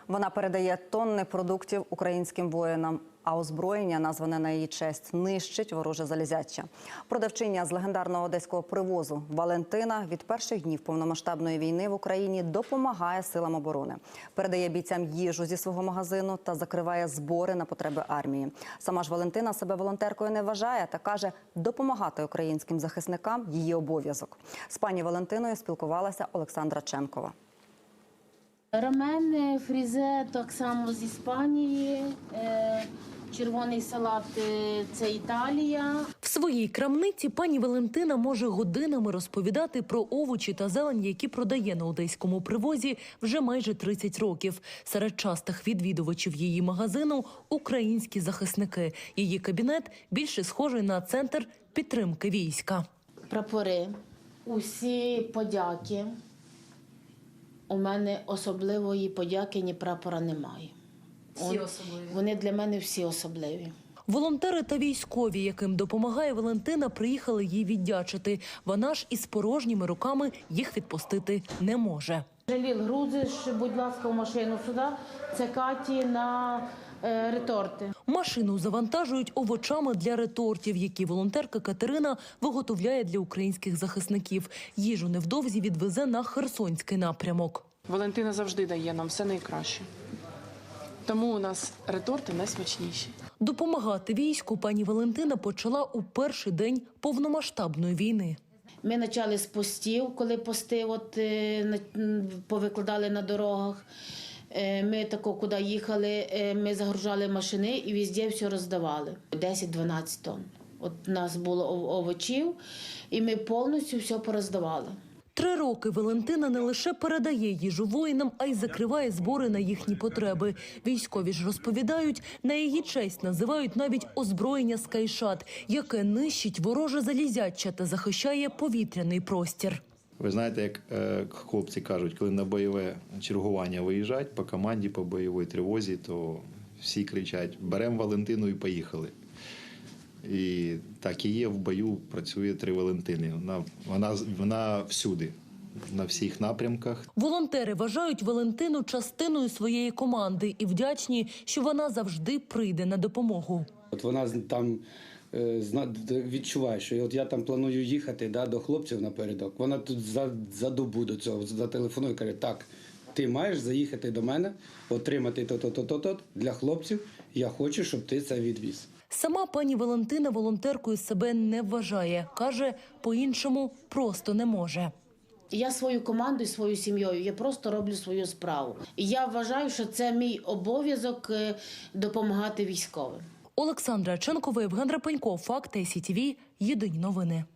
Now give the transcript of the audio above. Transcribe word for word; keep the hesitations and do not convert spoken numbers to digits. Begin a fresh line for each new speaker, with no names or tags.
Вона передає тонни продуктів українським воїнам, а озброєння, назване на її честь, нищить вороже залізяча. Продавчиня з легендарного одеського привозу Валентина від перших днів повномасштабної війни в Україні допомагає силам оборони. Передає бійцям їжу зі свого магазину та закриває збори на потреби армії. Сама ж Валентина себе волонтеркою не вважає та каже, допомагати українським захисникам – її обов'язок. З пані Валентиною спілкувалася Олександра Ченкова.
Рамен, фрізе так само з Іспанії, червоний салат – це Італія.
В своїй крамниці пані Валентина може годинами розповідати про овочі та зелень, які продає на одеському привозі вже майже тридцять років. Серед частих відвідувачів її магазину – українські захисники. Її кабінет більше схожий на центр підтримки війська.
Прапори, усі подяки. У мене особливої подяки ні прапора немає.
Всі особливі?
Вони для мене всі особливі.
Волонтери та військові, яким допомагає Валентина, приїхали їй віддячити. Вона ж із порожніми руками їх відпустити не може.
Жаліл, грузиш, будь ласка, в машину сюди. Це Каті на е, реторти.
Машину завантажують овочами для ретортів, які волонтерка Катерина виготовляє для українських захисників. Їжу невдовзі відвезе на Херсонський напрямок.
Валентина завжди дає нам все найкраще. Тому у нас реторти найсмачніші.
Допомагати війську пані Валентина почала у перший день повномасштабної війни.
Ми почали з постів, коли пости от, е, повикладали на дорогах. Е, ми тако, куди їхали, е, ми загружали машини і везде все роздавали. десять-дванадцять тонн. От у нас було овочів, і ми повністю все пороздавали.
Три роки Валентина не лише передає їжу воїнам, а й закриває збори на їхні потреби. Військові ж розповідають, на її честь називають навіть озброєння «Скайшат», яке нищить вороже залізяча та захищає повітряний простір.
Ви знаєте, як е, хлопці кажуть, коли на бойове чергування виїжджають по команді, по бойовій тривозі, то всі кричать «беремо Валентину і поїхали». І так і є, в бою працює три Валентини. Вона, вона, вона всюди, на всіх напрямках.
Волонтери вважають Валентину частиною своєї команди і вдячні, що вона завжди прийде на допомогу.
От вона там е, відчуває, що от я там планую їхати да, до хлопців напередок. Вона тут за, за добу до цього зателефонує і каже, так, ти маєш заїхати до мене, отримати то-то-то-то для хлопців, я хочу, щоб ти це відвіз.
Сама пані Валентина волонтеркою себе не вважає. Каже, по-іншому просто не може.
Я свою команду і свою сім'єю, я просто роблю свою справу. І я вважаю, що це мій обов'язок допомагати військовим.
Олександра Ченкова, Євген Рапенько, Факти, СІТВ, Єдині новини.